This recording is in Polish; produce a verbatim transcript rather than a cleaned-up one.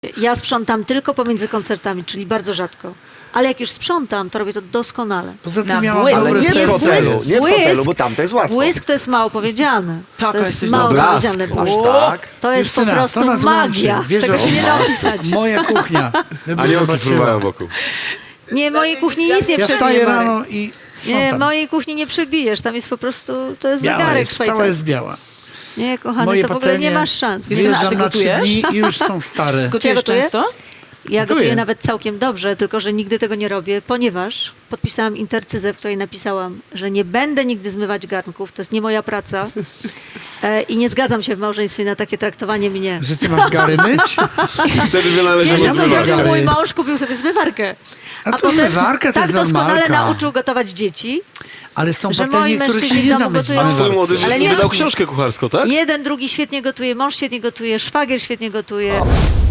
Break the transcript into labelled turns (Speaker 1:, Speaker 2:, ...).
Speaker 1: Ja sprzątam tylko pomiędzy koncertami, czyli bardzo rzadko. Ale jak już sprzątam, to robię to doskonale.
Speaker 2: Poza tym
Speaker 3: Na
Speaker 2: miałam
Speaker 3: błysk.
Speaker 4: Ale
Speaker 2: dobre
Speaker 4: nie w
Speaker 1: jest
Speaker 2: serce.
Speaker 4: hotelu, nie w
Speaker 1: błysk.
Speaker 4: hotelu, bo tam to jest łatwo.
Speaker 1: Błysk to jest mało powiedziane.
Speaker 3: Taka
Speaker 1: To jest
Speaker 3: jesteś
Speaker 1: mało
Speaker 3: dobra.
Speaker 1: powiedziane.
Speaker 4: Aż
Speaker 1: Błysk.
Speaker 4: tak?
Speaker 1: To jest po
Speaker 2: Justyna,
Speaker 1: prostu
Speaker 2: to nas
Speaker 1: magia.
Speaker 2: łączy. Wiesz,
Speaker 1: Tego
Speaker 2: że-
Speaker 1: się nie da opisać.
Speaker 2: Moja kuchnia. Gdyby
Speaker 5: Aniołki
Speaker 2: zobaczyła.
Speaker 5: fruwają wokół.
Speaker 1: Nie, mojej kuchni nic nie
Speaker 2: Ja
Speaker 1: przebije,
Speaker 2: wstaję
Speaker 1: Marek.
Speaker 2: rano i
Speaker 1: Nie,
Speaker 2: sprzątam.
Speaker 1: mojej kuchni nie przebijesz. Tam jest po prostu, to jest
Speaker 2: Biała
Speaker 1: zegarek
Speaker 2: jest, cała
Speaker 1: szwajcarski.
Speaker 2: jest biała.
Speaker 1: Nie, kochany,
Speaker 2: Moje
Speaker 1: to w ogóle nie
Speaker 2: patelnie
Speaker 1: masz szans.
Speaker 3: Justyna, a
Speaker 2: Wyjeżdżam
Speaker 3: ty
Speaker 2: na trzy
Speaker 3: gotujesz?
Speaker 2: dni i już są stare.
Speaker 3: Gotujesz
Speaker 1: gotuję?
Speaker 3: często?
Speaker 1: Ja
Speaker 2: Gotuję.
Speaker 1: gotuję nawet całkiem dobrze, tylko że nigdy tego nie robię, ponieważ podpisałam intercyzę, w której napisałam, że nie będę nigdy zmywać garnków, to jest nie moja praca e, i nie zgadzam się w małżeństwie na takie traktowanie mnie.
Speaker 2: Że ty masz gary myć?
Speaker 5: I wtedy wynaleziono
Speaker 1: Wiesz, co
Speaker 2: zmywarkę.
Speaker 1: zrobił mój
Speaker 2: zmywarkę.
Speaker 1: mąż? Kupił sobie zmywarkę.
Speaker 2: A to
Speaker 1: potem
Speaker 2: zmywarka to
Speaker 1: tak
Speaker 2: jest
Speaker 1: doskonale
Speaker 2: normalka.
Speaker 1: nauczył gotować dzieci.
Speaker 2: Ale są
Speaker 1: Że
Speaker 2: patelnie,
Speaker 1: moi
Speaker 2: których się
Speaker 1: mężczyźni
Speaker 2: nie
Speaker 1: w
Speaker 2: da
Speaker 1: domu
Speaker 2: myć.
Speaker 1: gotują.
Speaker 5: A twój młody
Speaker 1: Ale nie
Speaker 5: wydał
Speaker 1: jasne.
Speaker 5: książkę kucharską, tak?
Speaker 1: Jeden, drugi świetnie gotuje, mąż świetnie gotuje, szwagier świetnie gotuje.